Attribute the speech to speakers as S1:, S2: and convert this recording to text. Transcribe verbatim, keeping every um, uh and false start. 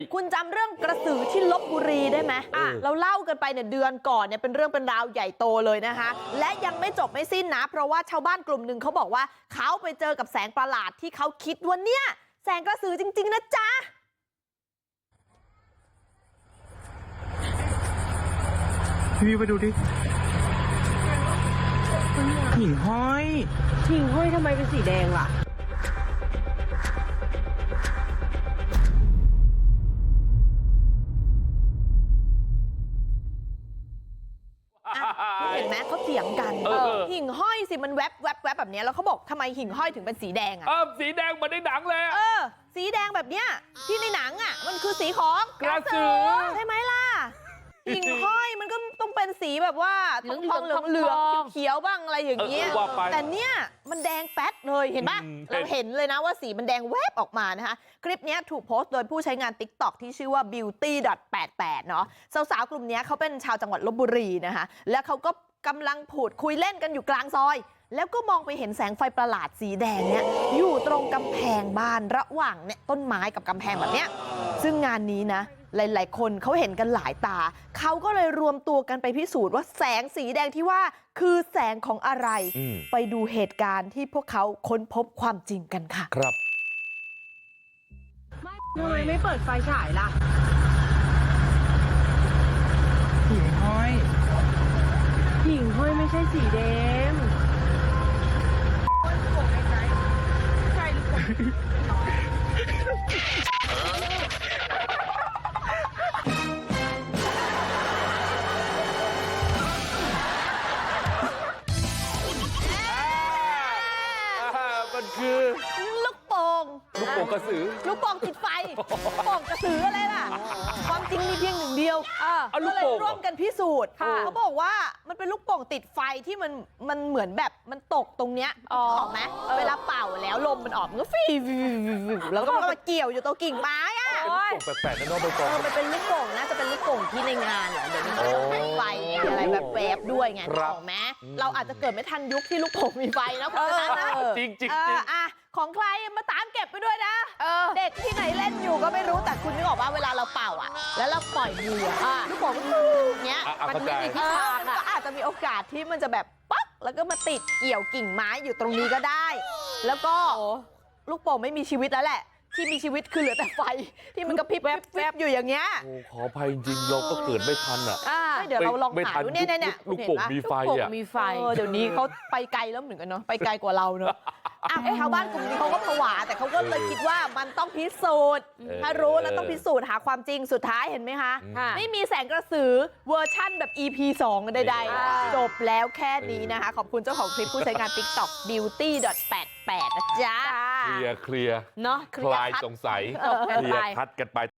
S1: คุณจำเรื่องกระสือที่ลพบุรีได้ไหมอ่ะเราเล่ากันไปเนี่ยเดือนก่อนเนี่ยเป็นเรื่องเป็นราวใหญ่โตเลยนะคะและยังไม่จบไม่สิ้นนะเพราะว่าชาวบ้านกลุ่มหนึ่งเขาบอกว่าเขาไปเจอกับแสงประหลาดที่เขาคิดว่าเนี่ยแสงกระสือจริงๆนะจ๊ะ
S2: พี่ไปดูดิหิ่งห้อย
S3: หิ่งห้อยทำไมเป็นสีแดงล่ะ
S1: เห็นไหมเขาเถียงกันหิ่งห้อยสิมันแวบแวบแวบแบบนี้แล้วเขาบอกทำไมหิ่งห้อยถึงเป็นสีแดงอ่ะ
S4: สีแดงเหมือนในหนังเลย
S1: เออสีแดงแบบเนี้ยที่ในหนังอ่ะมันคือสีของ
S4: กระสือ
S1: ใช่ไหมล่ะหิ่งห้อยมันก็ต้องเป็นสีแบบว่าทองทองเหลืองเหลืองเขียวบ้างอะไรอย่างเงี้ยแต่เนี้ยมันแดงแป๊ดเลยเห็นปะเราเห็นเลยนะว่าสีมันแดงแวบออกมานะคะคลิปนี้ถูกโพสต์โดยผู้ใช้งาน ติ๊กต็อก ที่ชื่อว่า บิวตี้ ดอท แปดแปด เนาะสาวๆกลุ่มนี้เขาเป็นชาวจังหวัดลพบุรีนะคะแล้วเขาก็กำลังพูดคุยเล่นกันอยู่กลางซอยแล้วก็มองไปเห็นแสงไฟประหลาดสีแดงเนี่ยอยู่ตรงกำแพงบ้านระหว่างเนี่ยต้นไม้กับกำแพงแบบเนี้ยซึ่งงานนี้นะหลายๆคนเขาเห็นกันหลายตาเขาก็เลยรวมตัวกันไปพิสูจน์ว่าแสงสีแดงที่ว่าคือแสงของอะไรไปดูเหตุการณ์ที่พวกเขาค้นพบความจริงกันค่ะ
S4: ครับ
S3: ทำไมไม่เปิดไฟฉายล่ะ
S2: หิ่งห้อย
S3: หิ่งห้อยไม่ใช่สีแดงใช่หรือเปล่า
S4: มันคือ
S1: ลูกโป่ง
S4: ลูกโป่งกระสือ
S1: ลูกโป่งติดไฟโป่งกระสืออะไรล่ะความจริงมีเพียงหนึ่งเดียวก็เลยร่วมกันพิสูจน์เขาบอกว่ามันเป็นลูกโป่งติดไฟที่มันมันเหมือนแบบมันตกตรงเนี้ยออกไหมเวลาเป่าแล้วลมมันออกมันก็ฟีแล้วก็มาเกี่ยวอยู่ตรงกิ่งไม้อ่ะ
S4: แปลกๆนะน้องใบตอง
S1: เออมันเป็นลูกโป่งนะจะเป็นลูกโป่งที่ในงานเหรอเดี๋ยวนี้มีไฟอะไรแบบแวบด้วยไงถูกไหมเราอาจจะเกิดไม่ทันยุคที่ลูกโป่งมีไฟนะเพราะฉะนั้นนะ
S4: จริงจริง
S1: อ่ะของใครมาตามเก็บไปด้วยนะเด็กที่ไหนเล่นอยู่ก็ไม่รู้แต่คุณนึกออกว่าเวลาเราเป่าอ่ะแล้วเราปล่อยมืออ่ะลูกโป่งมันเนี้ย
S4: มัน
S1: ไม่มีทิศทางก็อาจจะมีโอกาสที่มันจะแบบปั๊กแล้วก็มาติดเกี่ยวกิ่งไม้อยู่ตรงนี้ก็ได้แล้วก็ลูกโป่งไม่มีชีวิตแล้วแหละที่มีชีวิตคือเหลือแต่ไฟที่มันกระพริบแวบๆอยู่อย่างเงี้ย
S4: โอ้ขออภัยจริงเราก็เกิดไม่ทันอ่ะ
S1: เดี๋ยวเราลองหาดูเนี่ยเนี่ย
S4: ลูกโป่งมีไฟอ่ะ
S1: มีไฟเดี๋ยวนี้เขาไปไกลแล้วเหมือนกันเนาะไปไกลกว่าเราเนาะชาวบ้านกลุ่มนี้เขาก็ผวาแต่เขาก็เลยคิดว่ามันต้องพิสูจน์ถ้ารู้แล้วต้องพิสูจน์หาความจริงสุดท้ายเห็นไหมคะไม่มีแสงกระสือเวอร์ชั่นแบบ อี พี สองใดๆจบแล้วแค่นี้นะคะขอบคุณเจ้าของคลิปผู้ใช้งาน ติ๊กต็อก บิวตี้ ดอท แปดแปด นะจ๊ะ
S4: เคลียร์เคลียร์
S1: เนาะ
S4: คลายสงสัยเคลียร์คัดกันไป